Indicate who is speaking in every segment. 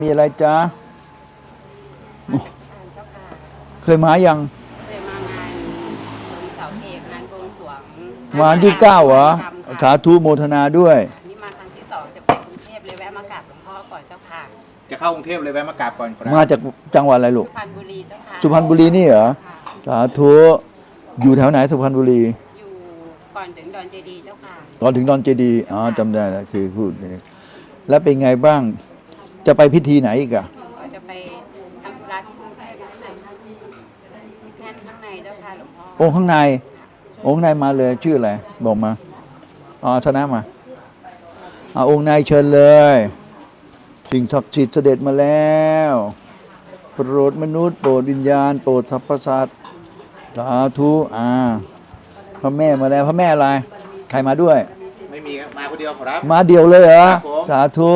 Speaker 1: มีอะไรจ๊ะ
Speaker 2: มาจากสถานเจ้าค่ะ
Speaker 1: เคยมายัง
Speaker 2: เคยมางานเสาเอกงานบวงสรวง
Speaker 1: มาวันที่9เหรอ
Speaker 2: ธรรม
Speaker 1: สา
Speaker 2: ค่ะ
Speaker 1: ธุโมทนาด้วย
Speaker 2: นี่มาครั้งที่2จะไปกรุงเทพเลยแวะมากราบหลวงพ่อก่อนเจ้าค่ะ
Speaker 3: จะเข้ากรุงเทพเลยแวะมากราบก่อนครับ
Speaker 1: มาจากจังหวัดอะไรลูก
Speaker 2: สุพรรณบุรีเจ้าค่ะ
Speaker 1: สุพรรณบุรีนี่เหรอ
Speaker 2: ค่ะ
Speaker 1: สาธุอยู่แถวไหนสุพรรณบุรี
Speaker 2: อยู่ก่อนถึงดอนเจดีย์เจ้าค่ะ
Speaker 1: ตอนถึงดอนเจดีย์อ๋อจำได้แล้วคือพูดนี่แล้วเป็นไงบ้าง จะไปพิธีไหนอีกอะ
Speaker 2: ก็จะไปทำธุระที่กรุงเทพรู้สึกมีแค่ข้างในเจ้าค่ะหลวงพ่อ
Speaker 1: องค์ข้างในองค์ข้างในมาเลยชื่ออะไรบอกมาอ๋อชนะมาองค์ในเชิญเลยสิ่งศักดิ์สิทธิ์เสด็จมาแล้วโปรดมนุษย์โปรดวิญญาณโปรดสรรพสัตว์สาธุพระแม่มาแล้วพระแม่อะไรใครมาด้วย
Speaker 3: ไม่มีมาคนเดียวครับ
Speaker 1: มาเดียวเลยเหรอ
Speaker 3: ครับผม
Speaker 1: สาธุ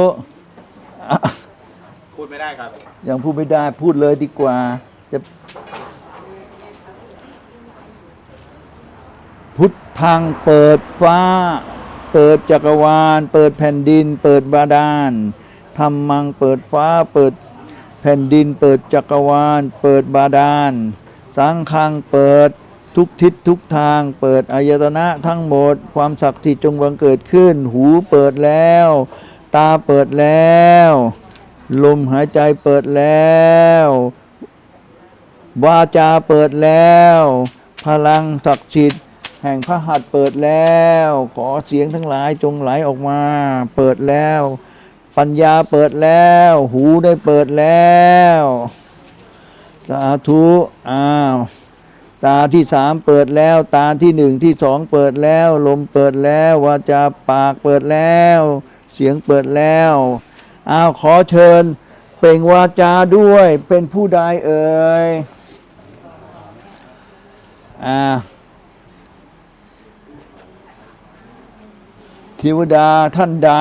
Speaker 3: พูดไม่ได้ครับ
Speaker 1: ยังพูดไม่ได้พูดเลยดีกว่าจะพุทธังเปิดฟ้าเปิดจักรวาลเปิดแผ่นดินเปิดบาดาลธรรมังเปิดฟ้าเปิดแผ่นดินเปิดจักรวาลเปิดบาดาลสังฆังเปิดทุกทิศทุกทางเปิดอายตนะทั้งหมดความศักดิ์สิทธิ์จงบังเกิดขึ้นหูเปิดแล้วตาเปิดแล้วลมหายใจเปิดแล้ววาจาเปิดแล้วพลังศักดิ์สิทธิ์แห่งพระหัตถ์เปิดแล้วขอเสียงทั้งหลายจงไหลออกมาเปิดแล้วปัญญาเปิดแล้วหูได้เปิดแล้วสาธุตาที่3เปิดแล้วตาที่1ที่2เปิดแล้วลมเปิดแล้ววาจาปากเปิดแล้วเสียงเปิดแล้วขอเชิญเปล่งวาจาด้วยเป็นผู้ใดเอ่ยเทวดาท่านใด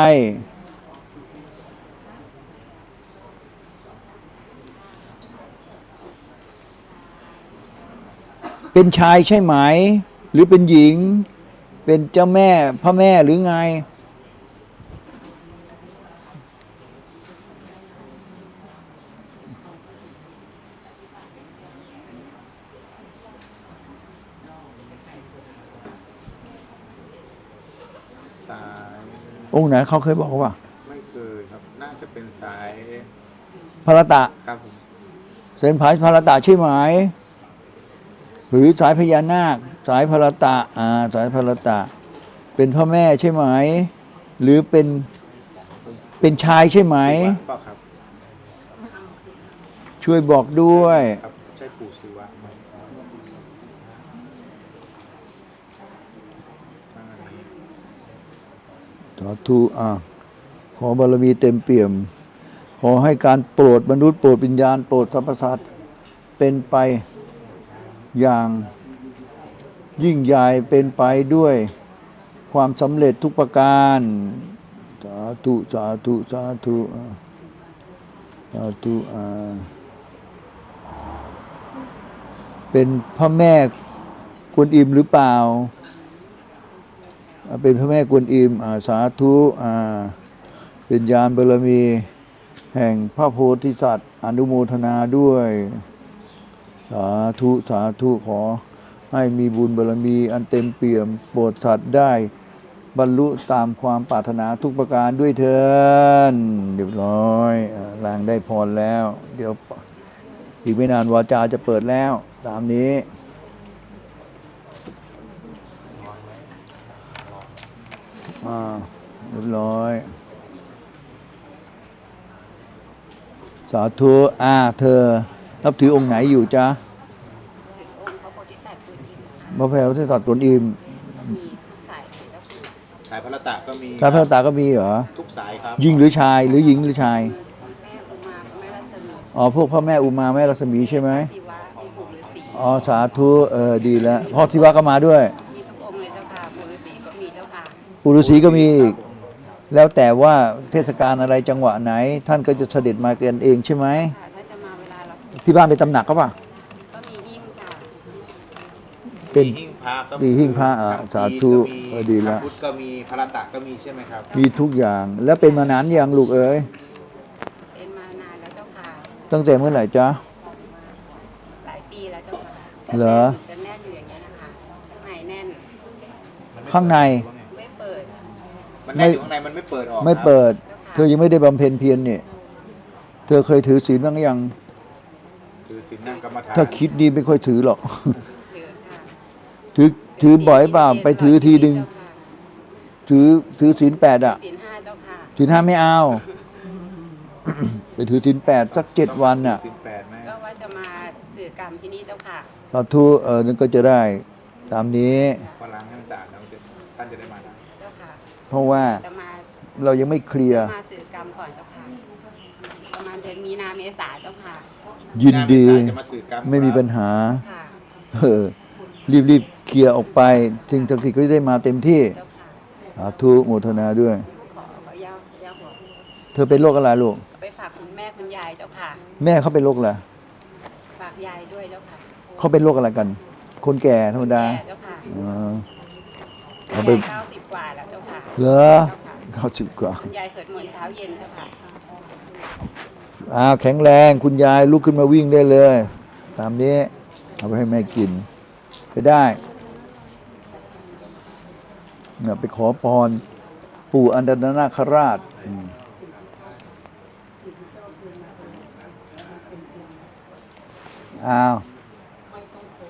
Speaker 1: เป็นชายใช่ไหมหรือเป็นหญิงเป็นเจ้าแม่พระแม่หรือไง
Speaker 3: สาย
Speaker 1: องค์ไหนเขาเคยบอกว่า
Speaker 3: ไม่เคยครับน่าจะเป็นสาย
Speaker 1: พระตะ
Speaker 3: ครับผม
Speaker 1: เส้นผายพระตะใช่ไหมหรือสายพญานาคสายพระตะสายพระตะเป็นพ่อแม่ใช่ไหมหรือเป็นชายใช่ไหม
Speaker 3: ครับ
Speaker 1: ช่วยบอกด้วย
Speaker 3: ครับใช่ปู่ศิวะไหม
Speaker 1: สาธุขอบารมีเต็มเปี่ยมขอให้การโปรดมนุษย์โปรดวิญญาณโปรดสรรพสัตว์เป็นไปอย่างยิ่งใหญ่เป็นไปด้วยความสำเร็จทุกประการสาธุสาธุสาธุสาธุเป็นพระแม่กวนอิมหรือเปล่าเป็นพระแม่กวนอิมสาธุเป็นญาณบารมีแห่งพระโพธิสัตว์อนุโมทนาด้วยสาธุสาธุขอให้มีบุญบารมีอันเต็มเปี่ยมโปรดสัตว์ได้บรรลุตามความปรารถนาทุกประการด้วยเถิดเรียบร้อยลางได้พรแล้ว เดี๋ยวอีกไม่นานวาจาจะเปิดแล้วตามนี้เรียบร้อยสาธุเธอนับถือองค์ไหนอยู่จ๊ะ
Speaker 2: ถึงองค์พระโพธิสัตว์กวนอิม
Speaker 1: พระแพรวที่ตัดตนอิม
Speaker 2: มีทุกสายเจ้าค่ะ
Speaker 3: สายพระตะก็มี
Speaker 1: สายพระตาก็มีเหรอ
Speaker 3: ทุกสายครับ
Speaker 1: หญิงหรือชายหรือหญิงหรือชาย
Speaker 2: แม่อุมาแม่รัศมี
Speaker 1: พวกพ่อแม่อุมาแม่รัศมีใช่ไหม
Speaker 2: ศิวะมีปู่ฤาษี
Speaker 1: สาธุดีแล้วพ่อศิวะก็มาด้วย
Speaker 2: มีทุกองค์เลยเจ้าค่ะปู่ฤาษีก็มีเจ้าค่ะ
Speaker 1: ปู่ฤาษีก็มีอีกแล้วแต่ว่าเทศกาลอะไรจังหวะไหนท่านก็จะเสด็จมากันเองใช่ไหม
Speaker 2: ถ้าจะมาเวลาเรา
Speaker 1: ที่บ้านเป็นตำหนักก็ป่ะ
Speaker 2: ก็มีหิ้งค่ะ
Speaker 1: เป็น
Speaker 3: หิ้งพระก็
Speaker 1: มีหิ้งพระสาธุดีแล้ว
Speaker 3: พุทธก็มีพระตะก็มีใช่ไหมครับ
Speaker 1: มีทุกอย่างแล้วเป็นมานานยังลูกเอ๋ย
Speaker 2: เป็นมานานแ
Speaker 1: ตั้งแต่เมื่อไหร่จ๊ะ
Speaker 2: หลายปีแล้วเจ้าค่ะ
Speaker 1: เหรอ
Speaker 2: จะแน่นอยู่อย่างเงี้ยนะคะข้างในแน่น
Speaker 1: ข้างใน
Speaker 2: ไม่เปิด
Speaker 3: มันแน่นอยู่ข้างในมันไม่เปิดออก
Speaker 1: ไม่
Speaker 3: ครับ
Speaker 1: เปิด เธอยังไม่ได้บำเพ็ญเพียรเนี่ยเธอเคยถือศีลบ้างยัง
Speaker 3: คือศีลนั่งกรรมฐาน
Speaker 1: ถ้าคิดดีไม่ค่อยถือหรอก
Speaker 2: ถือค่ะ
Speaker 1: ถือบ่อยเปล่าไปถือทีดึง ถือศีล8อ่ะ
Speaker 2: ศีล 5เจ้าค่ะ
Speaker 1: ศีล5ไม่เอา ไปถือศีล8สัก7 วันน่ะ
Speaker 3: ศีลแปดไหม
Speaker 2: ก็ว่าจะมาสื่อกรรมที่นี่เจ้าค่ะ
Speaker 1: สาธุนั่นก็จะได้ตามนี้
Speaker 3: พอล้างให้มันสะอาดแล้วท่านจะได้มาได้
Speaker 2: เจ้าค่ะ
Speaker 1: เพราะว่า
Speaker 2: จะมา
Speaker 1: เรายังไม่เคลียร์
Speaker 2: มาสื่อกรรมก่อนเจ้าค่ะ ประมาณเดือนมีนาเมษาเจ้าค่ะ
Speaker 1: ยินดี
Speaker 3: หาเมษาจะมาสื่อกรรม
Speaker 1: ไม่มีปัญหา
Speaker 2: ค่ะ
Speaker 1: รีบเคลียร์ออกไปสิ่งศักดิ์สิทธิ์ก็จะได้มาเต็มที่
Speaker 2: เจ้าค่ะ
Speaker 1: สาธุโมทนาด้วย
Speaker 2: ขอย่าหัว
Speaker 1: เธอเป็นโรคอะไรลูก
Speaker 2: ไปฝากคุณแม่คุณยายเจ้าค่ะ
Speaker 1: แม่เขาเป็นโรคอะไร
Speaker 2: ฝากยายด้วยเจ้าค่ะ
Speaker 1: เขาเป็นโรคอะไรกัน คนแก่ธรรมดา
Speaker 2: แก่เจ้าค่ะ
Speaker 1: อ๋อ
Speaker 2: คุ
Speaker 1: เอา
Speaker 2: ณ
Speaker 1: ไป
Speaker 2: ยาย90 กว่าแล้วเจ้าค่ะ
Speaker 1: เหรอ
Speaker 2: เจ้าค่ะ
Speaker 1: 90 กว่า
Speaker 2: คุณยายสวดมนต์เช้าเย็นเจ้าค่ะ
Speaker 1: แข็งแรงคุณยายลุกขึ้นมาวิ่งได้เลย ตามนี้เอาไปให้แม่กิน ไปได้เนี่ยไปขอพรปู่อันดรนาคราชอ้าว